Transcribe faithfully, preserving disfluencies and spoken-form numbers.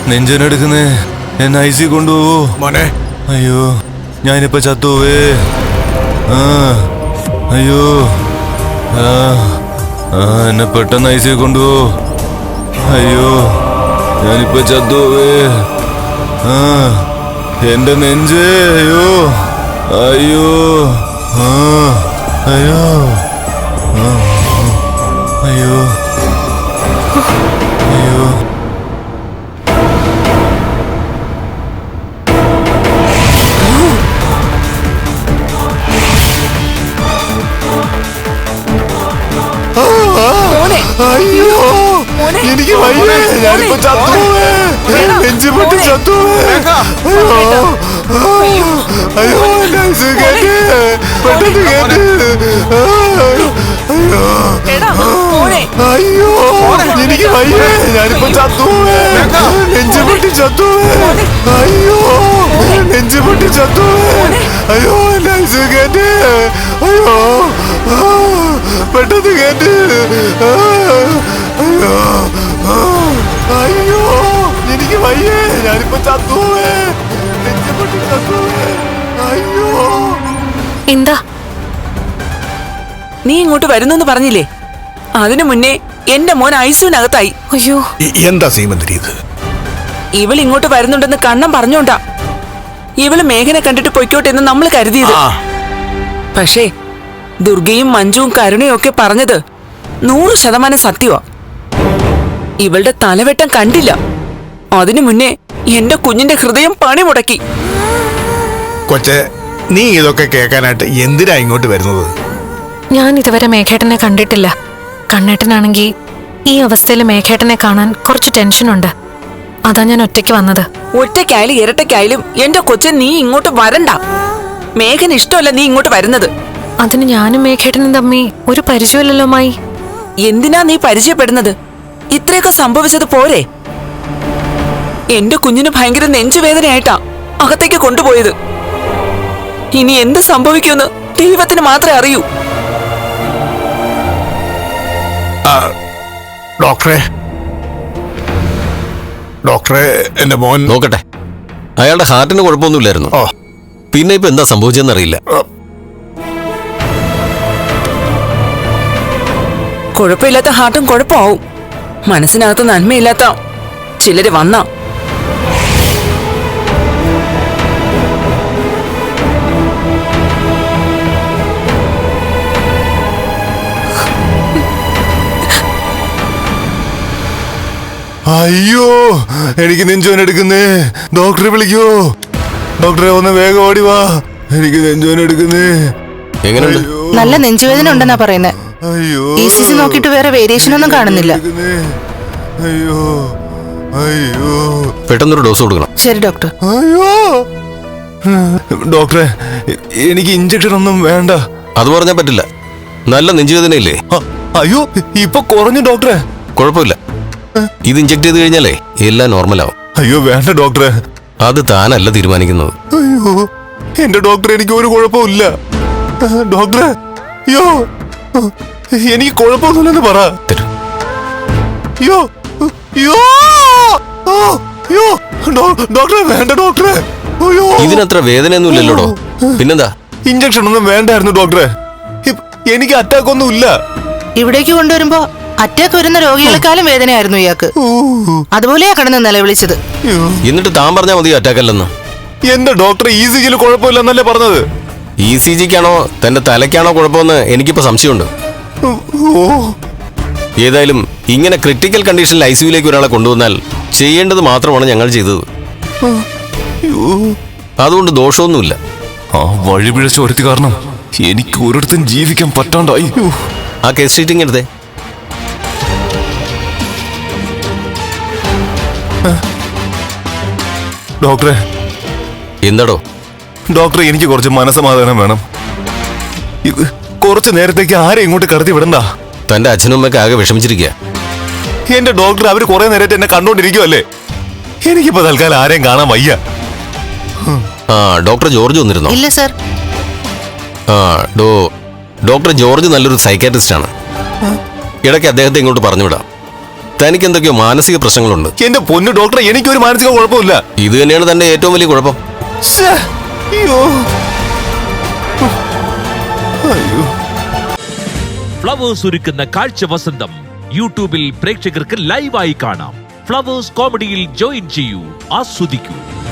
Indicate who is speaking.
Speaker 1: നെഞ്ചനെടുക്കുന്നേ, എന്നെ I C കൊണ്ടുപോവോ
Speaker 2: മോനെ?
Speaker 1: അയ്യോ, ഞാനിപ്പോ ചത്തുപോവേ. ആ അയ്യോ, ആ ആ എന്നെ പെട്ടെന്ന് ഐ സി കൊണ്ടുപോ. അയ്യോ, ഞാനിപ്പോ ചത്തുപോവേ. ആ എന്റെ നെഞ്ച്, അയ്യോ അയ്യോ, ആ അയ്യോ, ആ അയ്യോ അയ്യോ.
Speaker 2: അയ്യോ, എനിക്ക് വയ്യേ, ഞാനിപ്പോ ചത്തുപോവേ. നെഞ്ചു പൊട്ടി ചത്തുപോവേ. അയ്യോ അയ്യോ, എന്നെ ഐസിയു കേറ്റ്, പെട്ടെന്ന് കേറ്റ്. അയ്യോ, എനിക്ക് വയ്യേ, ഞാനിപ്പോ ചത്തുപോവേ. നെഞ്ചു പൊട്ടി ചത്തുപോവേ. അയ്യോ, നെഞ്ചു പൊട്ടി ചത്തുപോവേ. അയ്യോ, എന്നെ ഐസിയു കേറ്റ്. അയ്യോ, പെട്ടെന്ന് കേറ്റ്. അയ്യോ അയ്യോ, എനിക്ക് വയ്യേ, ഞാനിപ്പോ ചത്തുപോവേ. നെഞ്ചു പൊട്ടി ചത്തുപോവേ. അയ്യോ.
Speaker 3: എന്താ
Speaker 4: നീ ഇങ്ങോട്ട് വരുന്നെന്ന് പറഞ്ഞില്ലേ? അതിനു മുന്നേ എന്റെ മോൻ ഐസിയുനകത്തായി.
Speaker 3: അയ്യോ,
Speaker 2: എന്താ സീമന്തിരി ഇത്?
Speaker 4: ഇവൾ ഇങ്ങോട്ട് വരുന്നുണ്ടെന്ന് കണ്ണം പറഞ്ഞോണ്ടാ ഇവള് മേഘനെ കണ്ടിട്ട് പൊയ്ക്കോട്ടെ എന്ന് നമ്മൾ കരുതിയത്. പക്ഷേ ദുർഗയും മഞ്ജുവും കരുണയും ഒക്കെ പറഞ്ഞത് നൂറ് ശതമാനം സത്യമാ. ഇവളുടെ തലവെട്ടം കണ്ടില്ല. അതിനു മുന്നേ എന്റെ കുഞ്ഞിന്റെ ഹൃദയം പണി മുടക്കി.
Speaker 2: കൊച്ചെ, നീ ഇതൊക്കെ കേൾക്കാനായിട്ട് എന്തിനാ ഇങ്ങോട്ട് വരുന്നത്?
Speaker 3: ഞാൻ ഇതുവരെ മേഘേട്ടനെ കണ്ടിട്ടില്ല. കണ്ണേട്ടനാണെങ്കിൽ ഈ അവസ്ഥയിൽ മേഘേട്ടനെ കാണാൻ കുറച്ച് ടെൻഷനുണ്ട്. അതാ ഞാൻ ഒറ്റയ്ക്ക് വന്നത്.
Speaker 4: ഒറ്റയ്ക്കായാലും ഇരട്ടയ്ക്കായാലും എന്റെ കൊച്ചൻ നീ ഇങ്ങോട്ട് വരണ്ട. മേഘന് ഇഷ്ടമല്ല നീ ഇങ്ങോട്ട് വരുന്നത്.
Speaker 3: അതിന് ഞാനും മേഘേട്ടനും തമ്മി ഒരു പരിചയമില്ലല്ലോ മായി.
Speaker 4: എന്തിനാ നീ പരിചയപ്പെടുന്നത്? ഇത്രയൊക്കെ സംഭവിച്ചത് പോരെ? എന്റെ കുഞ്ഞിന് ഭയങ്കര നെഞ്ചുവേദനയായിട്ടാ അകത്തേക്ക് കൊണ്ടുപോയത്. ഇനി എന്ത് സംഭവിക്കുമെന്ന് ദൈവത്തിന് മാത്രമേ അറിയൂ.
Speaker 2: ഡോക്ടറെ, ഡോക്ടറെ, എന്റെ മോൻ
Speaker 5: നോക്കട്ടെ. അയാളുടെ ഹാർട്ടിന് കുഴപ്പമൊന്നുമില്ലായിരുന്നു.
Speaker 2: ഓ,
Speaker 5: പിന്നെ ഇപ്പൊ എന്താ സംഭവിച്ചെന്നറിയില്ല.
Speaker 4: കുഴപ്പമില്ലാത്ത ഹാർട്ടും കുഴപ്പമാവും. മനസ്സിനകത്ത് നന്മയില്ലാത്ത ചിലര് വന്ന
Speaker 1: അയ്യോ, എനിക്ക് നെഞ്ചോൻ എടുക്കുന്നേ. ഡോക്ടറെ വിളിക്കോ. ഡോക്ടറെ ഒന്ന് വേഗം ഓടി വാ, എനിക്ക് നെഞ്ചോൻ എടുക്കുന്നേ.
Speaker 5: എങ്ങനെയുണ്ട്?
Speaker 6: നല്ല നെഞ്ചുവേദന ഉണ്ടെന്നാ പറയുന്നത്.
Speaker 1: അയ്യോ,
Speaker 6: ഇ സി ജി നോക്കിയിട്ട് വേറെ വേരിയേഷൻ ഒന്നും കാണുന്നില്ല.
Speaker 1: അയ്യോ അയ്യോ,
Speaker 5: പെട്ടെന്നൊരു ഡോസ് കൊടുക്കണം.
Speaker 6: ശരി ഡോക്ടർ.
Speaker 1: അയ്യോ ഡോക്ടറെ, എനിക്ക് ഇഞ്ചക്ഷൻ ഒന്നും വേണ്ട.
Speaker 5: അത് പറഞ്ഞാൽ പറ്റില്ല. നല്ല നെഞ്ചുവേദനയില്ലേ?
Speaker 1: അയ്യോ, ഇപ്പൊ കുറഞ്ഞു ഡോക്ടറെ.
Speaker 5: കുഴപ്പമില്ല. ഇത് ഇഞ്ചക്ട് ചെയ്ത് കഴിഞ്ഞാലേ എല്ലാം നോർമലാവും.
Speaker 1: അയ്യോ വേണ്ട ഡോക്ടറെ.
Speaker 5: അത് താനല്ല തീരുമാനിക്കുന്നത്.
Speaker 1: അയ്യോ എന്റെ ഡോക്ടർ, എനിക്ക് ഒരു കുഴപ്പമില്ല ഡോക്ടറെ. അയ്യോ, എനിക്ക് കുഴപ്പമൊന്നുമില്ലെന്ന് പറ.
Speaker 5: തരൂ.
Speaker 1: അയ്യോ അയ്യോ അയ്യോ, ഡോക്ടറെ വേണ്ട ഡോക്ടറെ. അയ്യോ,
Speaker 5: ഇതിനത്ര വേദനയൊന്നുമില്ലല്ലോടോ. പിന്നെന്താ?
Speaker 1: ഇഞ്ചക്ഷൻ ഒന്നും വേണ്ടായിരുന്നു ഡോക്ടറെ. എനിക്ക് അറ്റാക്ക് ഒന്നും ഇല്ല.
Speaker 6: ഇവിടേക്ക് കൊണ്ടുവരുമ്പോ അറ്റാക്ക് വരുന്ന രോഗികളെക്കാളും വേദനയായിരുന്നു ഇയാൾക്ക്. അതുപോലെയാ കിടന്ന് നിലവിളിച്ചത്.
Speaker 5: എന്നിട്ട് താൻ പറഞ്ഞാൽ മതി അറ്റാക്ക് അല്ലെന്ന്.
Speaker 1: എന്റെ ഡോക്ടർ ഇ സി ജിയിൽ കുഴപ്പമില്ലെന്നല്ലേ പറഞ്ഞത്.
Speaker 5: ഇ സി ജിക്കാണോ തന്റെ തലയ്ക്കാണോ കുഴപ്പമെന്ന് എനിക്കിപ്പോ സംശയമുണ്ട്. ഏതായാലും ഇങ്ങനെ ക്രിട്ടിക്കൽ കണ്ടീഷനിൽ ഐ സിയുലേക്ക് ഒരാളെ കൊണ്ടുവന്നാൽ ചെയ്യേണ്ടത് മാത്രമാണ് ഞങ്ങൾ ചെയ്തത്. അതുകൊണ്ട് ദോഷമൊന്നുമില്ല.
Speaker 1: ആ വഴിപിഴച്ച ഒരുത്തി കാരണം എനിക്ക് ഒരിടത്തും ജീവിക്കാൻ പറ്റാണ്ടായി.
Speaker 5: ആ കേസ് ഷീറ്റിംഗ് എടുത്തേ.
Speaker 1: ഡോക്ടറെ.
Speaker 5: എന്താടോ?
Speaker 1: ഡോക്ടറെ, എനിക്ക് കുറച്ച് മനസ്സമാധാനം വേണം. ഇത് കുറച്ച് നേരത്തേക്ക് ആരെയും ഇങ്ങോട്ട് കടത്തി വിടണ്ട.
Speaker 5: തന്റെ അച്ഛനും അമ്മയൊക്കെ ആകെ വിഷമിച്ചിരിക്കുക.
Speaker 1: എന്റെ ഡോക്ടർ, അവര് കുറെ നേരത്തെ എന്നെ കണ്ടോണ്ടിരിക്കുവല്ലേ. എനിക്കിപ്പോ തൽക്കാലം ആരെയും കാണാൻ വയ്യ.
Speaker 5: ആ ഡോക്ടർ ജോർജ് വന്നിരുന്നോ?
Speaker 6: ഇല്ല സർ.
Speaker 5: ആ ഡോ ഡോക്ടർ ജോർജ് നല്ലൊരു സൈക്കാട്രിസ്റ്റ് ആണ്. ഇടയ്ക്ക് അദ്ദേഹത്തെ ഇങ്ങോട്ട് പറഞ്ഞു വിടാം. തനിക്ക് എന്തൊക്കെയോ മാനസിക പ്രശ്നങ്ങളുണ്ട്.
Speaker 1: എന്റെ പൊന്നു ഡോക്ടറെ, എനിക്കൊരു മാനസിക കുഴപ്പമില്ല.
Speaker 5: ഇത് തന്നെയാണ് തന്റെ ഏറ്റവും വലിയ കുഴപ്പം.
Speaker 1: ശ്ശേ, അയ്യോ അയ്യോ.
Speaker 7: ഫ്ലവേഴ്സ് ഒരുക്കുന്ന കാഴ്ച വസന്തം യൂട്യൂബിൽ പ്രേക്ഷകർക്ക് ലൈവായി കാണാം. ഫ്ലവേഴ്സ് കോമഡിയിൽ ജോയിൻ ചെയ്യൂ, ആസ്വദിക്കൂ.